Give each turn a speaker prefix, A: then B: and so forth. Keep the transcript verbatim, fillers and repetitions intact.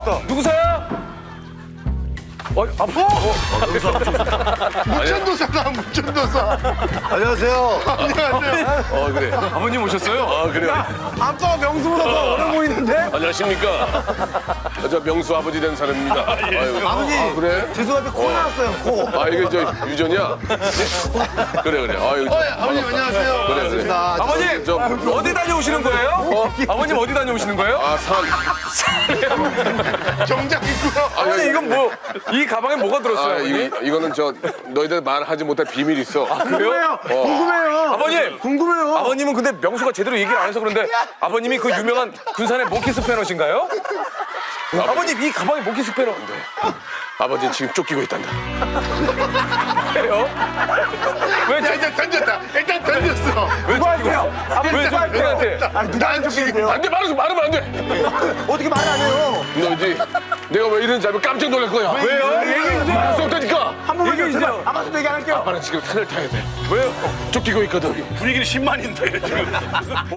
A: 누구세요? 어, 아, 어?
B: 무천도사다 무천도사.
C: 안녕하세요.
B: 안녕하세요.
A: 어, 그래. 아버님 오셨어요? 아, 그래요.
B: 아빠가 명수보다 더 어려 보이는데?
D: 안녕하십니까. 저 명수 아버지 된 사람입니다. 아유,
C: 아버지.
D: 아, 그래?
C: 죄송한데 코 나왔어요, 코.
D: 아, 이게 저 유전이야? 그래, 그래. 아유,
B: 어, 아버님 안녕하세요.
D: 그래, 그래.
A: 아버님,
D: 저,
A: 어디 다녀오시는 거예요? 어? 아버님 어디 다녀오시는 거예요?
D: 아, 산.
B: 정장 입고요.
A: 아버님, 이건 뭐, 이 가방에 뭐가 들었어요,
D: 아,
A: 아버님?
D: 이거, 이거는 저, 너희들 말하지 못할 비밀 있어.
A: 그래요?
B: 궁금해요.
A: 아버님!
B: 궁금해요.
A: 아버님은 근데 명수가 제대로 얘기를 안 해서 그런데 아버님이 그 유명한 군산의 모키 스패너신가요? 아버님, 이 가방에 모키 스패너.
D: 아버지는 지금 쫓기고 있단다.
A: 왜요? 왜
B: 야,
A: 저,
B: 이제 던졌다. 일단 던졌어.
A: 왜 쫓기고 왜 쫓기한테?
B: 난 죽이고.
D: 안 돼, 말하면, 말하면 안 돼.
C: 어떻게 말 안 해요?
D: 너희들이 내가 왜 이러는지 알면 깜짝 놀랄 거야.
A: 왜요? 얘기해주세요.
D: 말할 수 없다니까.
C: 한 번만
A: 얘기해
C: 더,
A: 주세요.
C: 제발. 아빠도 얘기 안 할게요.
D: 아빠는 지금 산을 타야 돼.
A: 왜요?
D: 쫓기고 있거든.
B: 분위기는 십만인데 지금.